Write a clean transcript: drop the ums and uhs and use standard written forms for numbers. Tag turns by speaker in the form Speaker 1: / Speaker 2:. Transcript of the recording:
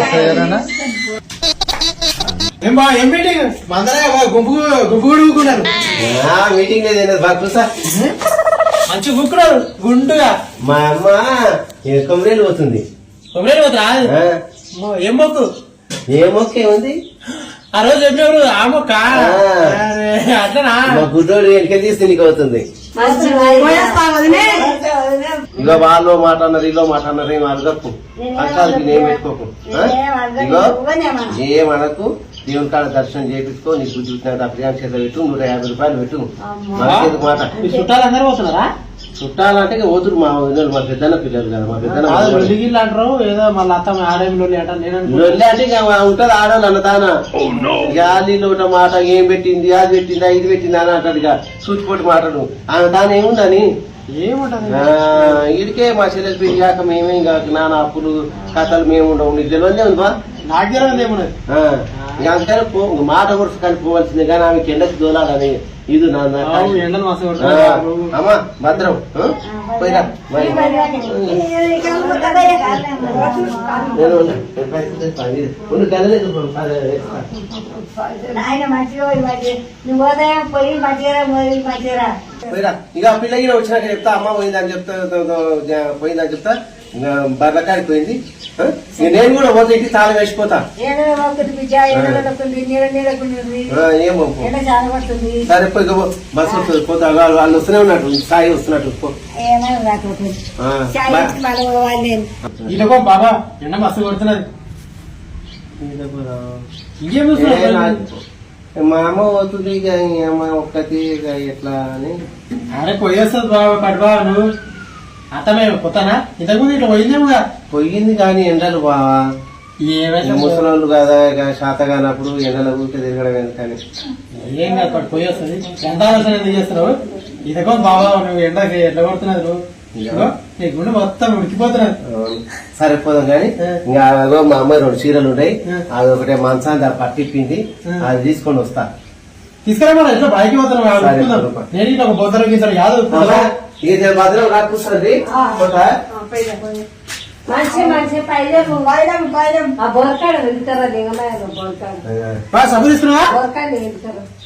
Speaker 1: ఏం మీటింగ్ మందరా గుంపు గుంపు కూడా ఊకున్నారు.
Speaker 2: మీటింగ్ లేదు బాగా సార్
Speaker 1: మంచి ఊక్కున్నారు గుండుగా.
Speaker 2: మా అమ్మ కొమ్మరేలు పోతుంది.
Speaker 1: కొమ్మరేలు పోతురా? ఏం మొక్కు?
Speaker 2: ఏ మొక్క ఏముంది
Speaker 1: ఆ రోజు చెప్పినప్పుడు ఆ మొక్క అట్లనా?
Speaker 2: మా గుడ్డోడు వెనక తీస్తే నీకు అవుతుంది. ఇగో వాళ్ళు మాట అన్నారు ఇలో మాట అన్నారు ఏం అడగకు అక్కాలకి నేను పెట్టుకోకు. ఇగో ఏమనకు దేవుని కాడ దర్శనం చేయించుకో. నీకు బుద్ధి వచ్చిన ప్రియాంక చేత పెట్టు 150 రూపాయలు పెట్టు. మనకేందుకు మాట?
Speaker 1: చుట్టాలు అందరూ పోతున్నారా?
Speaker 2: చుట్టాలంటే ఓతురు మా వదిన మా పెద్దన్న పిల్లలు కదా. మా పెద్దన్న
Speaker 1: అంటారు ఏదో మళ్ళీ అత్త ఆడేమిలో
Speaker 2: లొల్లి అంటే ఇక ఉంటది ఆడవాళ్ళు అన్నదానా. గాలిలో ఉన్న మాట ఏం పెట్టింది అది పెట్టిందా ఇది పెట్టిందా అని అంటాడు. ఇక సూచిపోటి మాటలు ఆమె దాని ఏముందని ఇడికే మా చెల్లెలు పెరిగాక మేమే ఇంకా నాన్న అప్పులు కథలు మేము ఉండవు. నీకు తెలియదే ఉందా?
Speaker 1: నాకు తెలియదు ఏమున్నది.
Speaker 2: అందుకని మాట వరుస కానీ పోవాల్సిందే కానీ ఆమెకి ఎండకు దోలాలని ఇది అమ్మా భద్రం పోయిరా. పోయిరా ఇక పిల్లకి వచ్చినాక చెప్తా అమ్మ పోయిందని చెప్తా పోయిందని చెప్తా. బర్రకాడికి పోయింది. నేను కూడా పోతే ఇంటికి తాళం వేసిపోతా. ఏమో సరే పోయి బస్సు వస్తుంది పోతా. వాళ్ళు వస్తూనే ఉన్నట్టు సాయి వస్తున్నట్టు.
Speaker 1: ఇలాగో బాబా ఎండ మస్తు కొడుతున్నది.
Speaker 2: మా అమ్మ పోతుంది ఇక అమ్మ ఒక్కటి ఇక ఎట్లా అని.
Speaker 1: అరే పోయేస్తుంది బాబా కడుబా నువ్వు అతమే కొత్తనా ఇంతకుముందు ఇట్లా పోయిందేముగా?
Speaker 2: పోయింది కానీ ఎండలు బావా
Speaker 1: ఏమైనా
Speaker 2: ముసలోళ్ళు కదా శాత కానప్పుడు ఎండల ఊరికే తిరగడం ఎందుకని.
Speaker 1: ఏం కాదు పోయి వస్తుంది. ఎంత ఆలోచన ఎందుకు చేస్తున్నావు? ఇదిగో బాబా నువ్వు ఎండకి ఎట్లా కొడుతున్నది నువ్వు నీ గుండె మొత్తం ఉడికిపోతున్నది.
Speaker 2: సరిపోదాం కానీ ఇంకా మా అమ్మాయి 2 చీరలు ఉన్నాయి. అది ఒకటే మంచాన్ని పట్టిప్పింది అది తీసుకొని వస్తా.
Speaker 1: తీసుకురా ఎట్లా బయటకి పోతున్నావు? నేను ఇట్లా ఒక బొద్దలు గీసాడు యాదవ్
Speaker 2: ఇది భద్రం రాకూసండి.
Speaker 1: సబ్బు తీసుకున్నావా?